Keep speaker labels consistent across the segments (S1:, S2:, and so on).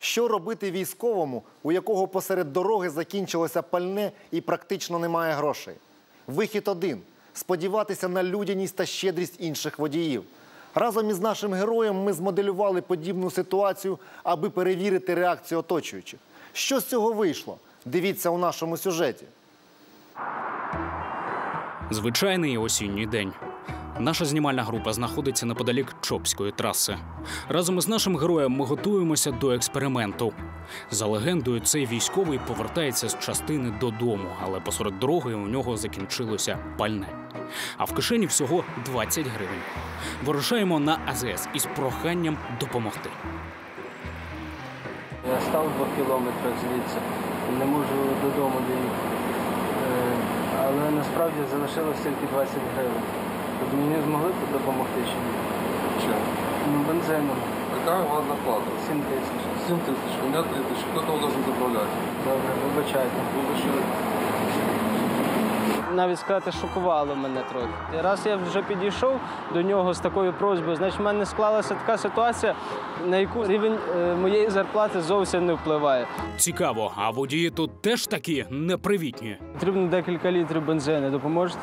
S1: Що робити військовому, у якого посеред дороги закінчилося пальне і практично немає грошей? Вихід один – сподіватися на людяність та щедрість інших водіїв. Разом із нашим героєм ми змоделювали подібну ситуацію, аби перевірити реакцію оточуючих. Що з цього вийшло? Дивіться у нашому сюжеті.
S2: Звичайний осінній день. Наша знімальна група знаходиться неподалік Чопської траси. Разом із нашим героєм ми готуємося до експерименту. За легендою, цей військовий повертається з частини додому, але посеред дороги у нього закінчилося пальне. А в кишені всього 20 гривень. Вирушаємо на АЗС із проханням допомогти.
S3: Я став 2 кілометри звідси, не можу додому доїхати. Але насправді залишилось тільки 20 гривень. Тобто мені змогли тут допомогти чи ні?
S4: Чем?
S3: Ну, бензином.
S4: Какая у вас зарплата?
S3: 7 тисяч.
S4: 7 тысяч. У меня 3 тысячи. Кто кого должен заправлять?
S3: Добре, вибачайте. Навіть сказати, шокувало мене трохи. Раз я вже підійшов до нього з такою просьбою, значить в мене склалася така ситуація, на яку рівень моєї зарплати зовсім не впливає.
S2: Цікаво, а водії тут теж такі непривітні?
S3: Потрібно декілька літрів бензину. Допоможете?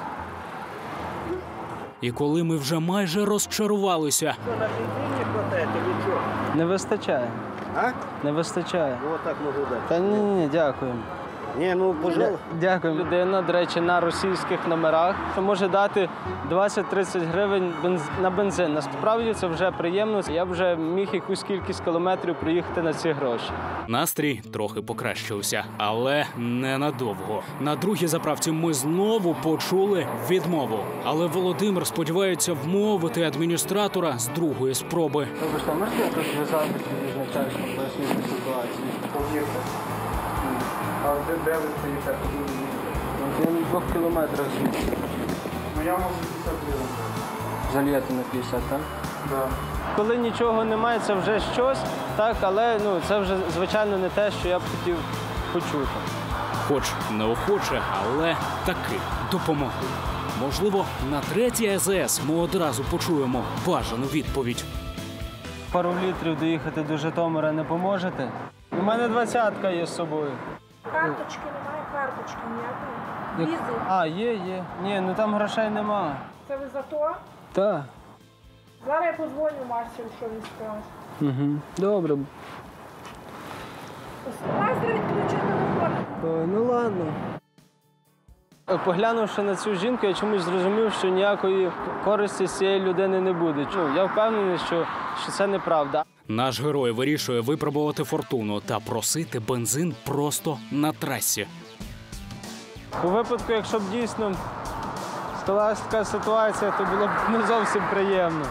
S2: І коли ми вже майже розчарувалися,
S5: На бензине хватает или что?
S3: Не вистачає.
S5: А?
S3: Не вистачає.
S5: Вот так могу дать.
S3: Та ні, дякуємо.
S5: Не, ну, пожалуйста.
S3: Дякую. Людина, до речі, на російських номерах може дати 20-30 гривень на бензин. Насправді це вже приємно. Я вже міг якусь кількість кілометрів проїхати на ці гроші.
S2: настрій трохи покращився, але ненадовго. На другій заправці ми знову почули відмову. Але Володимир сподівається вмовити адміністратора з другої спроби.
S3: Вибачте, можете якось зв'язатися з начальством, пояснити ситуацію? А де ви стоїте? Я на 2 кілометрах звідси.
S6: Ну я можу 50 гривень.
S3: Зальєти на 50, так?
S6: Да.
S3: Коли нічого немає, це вже щось, так, але це вже, звичайно, не те, що я б хотів почути.
S2: Хоч неохоче, але таки допомогли. Можливо, на третій АЗС ми одразу почуємо бажану відповідь.
S3: Пару літрів доїхати до Житомира не поможете? У мене 20-ка є з собою.
S7: Карточки немає, карточки ніякої. Візи.
S3: А, є. Ні, там грошей немає.
S7: Це ви за то?
S3: Так.
S7: Зараз я подзвоню Марсію, що він скаже.
S3: Угу. Добре.
S7: Майстер відключив телефон.
S3: Ой, ну ладно. Поглянувши на цю жінку, я чомусь зрозумів, що ніякої користі з цієї людини не буде. Я впевнений, що це неправда.
S2: Наш герой вирішує випробувати фортуну та просити бензин просто на трасі.
S3: У випадку, якщо б дійсно сталася така ситуація, то було б не зовсім приємно.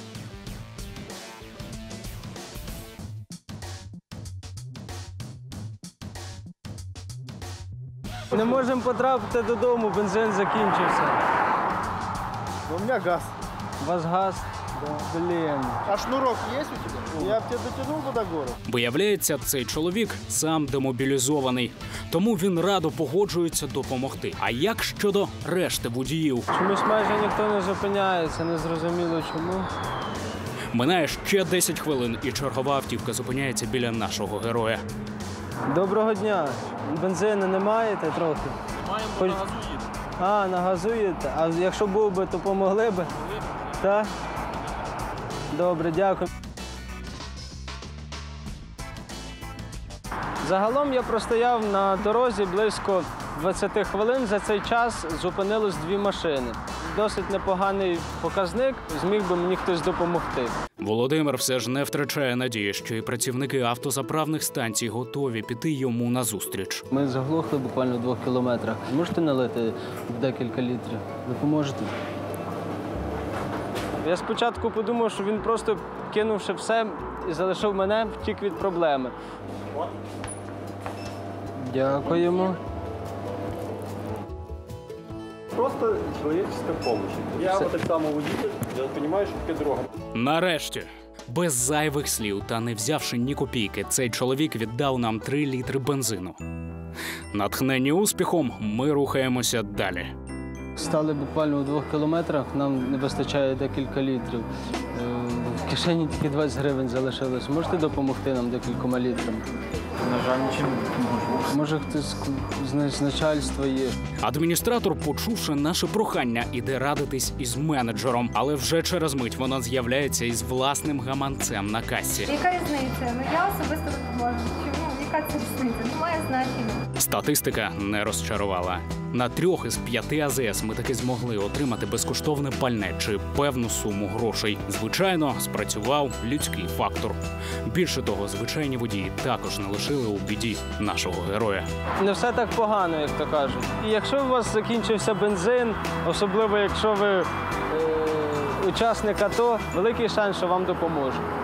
S3: Не можемо потрапити додому, бензин закінчився.
S6: У меня газ.
S3: У вас газ? Да. Блін.
S6: А шнурок есть у тебя? Я бы тебя дотянул бы до горы.
S2: Виявляється, цей чоловік сам демобілізований, тому він радо погоджується допомогти. А як щодо решти водіїв?
S3: Чомусь майже ніхто не зупиняється, незрозуміло чому.
S2: Минає ще 10 хвилин, і чергова автівка зупиняється біля нашого героя.
S3: Доброго дня. Бензину не маєте трохи?
S6: Маємо,
S3: Хоч-
S6: на газу їдемо.
S3: А, на газу їдете? А якщо був би, то помогли би? Так? Добре, дякую. Загалом я простояв на дорозі близько 20 хвилин. За цей час зупинилось 2 машини. Досить непоганий показник, зміг би мені хтось допомогти.
S2: Володимир все ж не втрачає надії, що і працівники автозаправних станцій готові піти йому назустріч.
S3: Ми заглохли буквально в 2 кілометрах. Можете налити декілька літрів? Допоможете? Я спочатку подумав, що він просто, кинувши все і залишив мене, втік від проблеми. Дякуємо.
S6: Просто человеческая помощь. Я вот так само водитель, я понимаю, что такая дорога.
S2: Нарешті, без зайвих слів та не взявши ні копійки, цей чоловік віддав нам 3 літри бензину. Натхнені успіхом, ми рухаємося далі.
S3: Стали буквально у 2 кілометрах, нам не вистачає декілька літрів. В кишені тільки 20 гривень залишилось. Можете допомогти нам декількома літрами?
S8: На жаль, нічим не можу.
S3: Може, хтось з начальства є.
S2: Адміністратор, почувши наше прохання, іде радитись із менеджером, але вже через мить вона з'являється із власним гаманцем на касі.
S9: Яка різниця? Ну я особисто допоможу. Чому? Яка це різниця? Немає значення.
S2: Статистика не розчарувала. На 3 із 5 АЗС ми таки змогли отримати безкоштовне пальне чи певну суму грошей. Звичайно, спрацював людський фактор. Більше того, звичайні водії також не лишили у біді нашого героя.
S3: Не все так погано, як то кажуть. І якщо у вас закінчився бензин, особливо якщо ви учасник АТО, великий шанс, що вам допоможуть.